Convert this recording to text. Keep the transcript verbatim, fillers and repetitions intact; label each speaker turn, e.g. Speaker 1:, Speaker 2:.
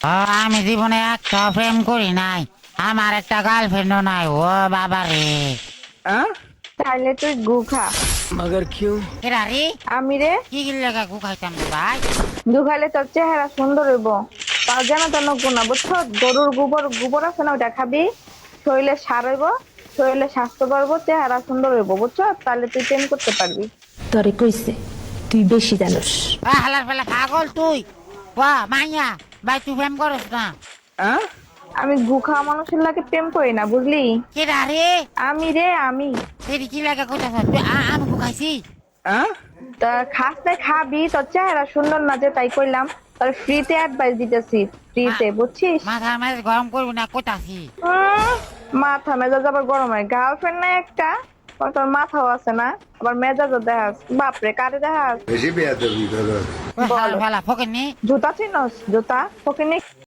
Speaker 1: ও, আমি জীবনে একটা প্রেম করি নাই, আমার একটা গার্লফ্রেন্ডও নাই। ও বাবা রে।
Speaker 2: हाँ?
Speaker 3: তাহলে তুই গু খা।
Speaker 2: मगर क्यों?
Speaker 1: কেরা রে?
Speaker 3: আমি রে,
Speaker 1: কি কি লেখা গু খাইতাম রে ভাই?
Speaker 3: গু খাইলে তোর চেহারা সুন্দর হইব। তার যেন তেন গুণা বুঝছো, গরুর গোবর গোবর আছে না, ওটা খাবি, শরীরে সার হইব, শরীরে স্বাস্থ্য বাড়বো, চেহারা সুন্দর হইব বুঝছো, তাহলে তুই প্রেম করতে পারবি।
Speaker 4: তরে কইছে তুই বেশি জানোস।
Speaker 1: আ, হালার ফেলা পাগল তুই। ওয়া মাইয়া ভাই, তুই প্রেম করস না?
Speaker 2: हाँ?
Speaker 3: আমি গু খাওয়া মানুষের লাগে প্রেম করি না, বুঝলি?
Speaker 1: কেরা রে?
Speaker 3: আমি রে, আমি।
Speaker 1: এটি কি লেখা কইতাছ তুই? আ, আমি গু খাইছি।
Speaker 2: हाँ?
Speaker 3: তা খাস নাই খাবি, তোর চেহারা সুন্দর না যে তাই কইলাম, তোর ফ্রিতে অ্যাডভাইস দিতেছি, ফ্রিতে বুঝছিস?
Speaker 1: মাথা মাঝে গরম করবি না কইতাছি।
Speaker 3: উম, মাথা মেজাজ আবার গরম হয়, গার্লফ্রেন্ড নাই একটা, আবার তোর মাথাও আছে না, আবার মেজাজও দেখাস, বাপরে কারে দেখাস?
Speaker 5: বেশি বেয়াদবি করো।
Speaker 1: হালার
Speaker 3: বলো।
Speaker 1: ফেলা ফকের নি।
Speaker 3: জুতা চিনস? জুতা ফকিনি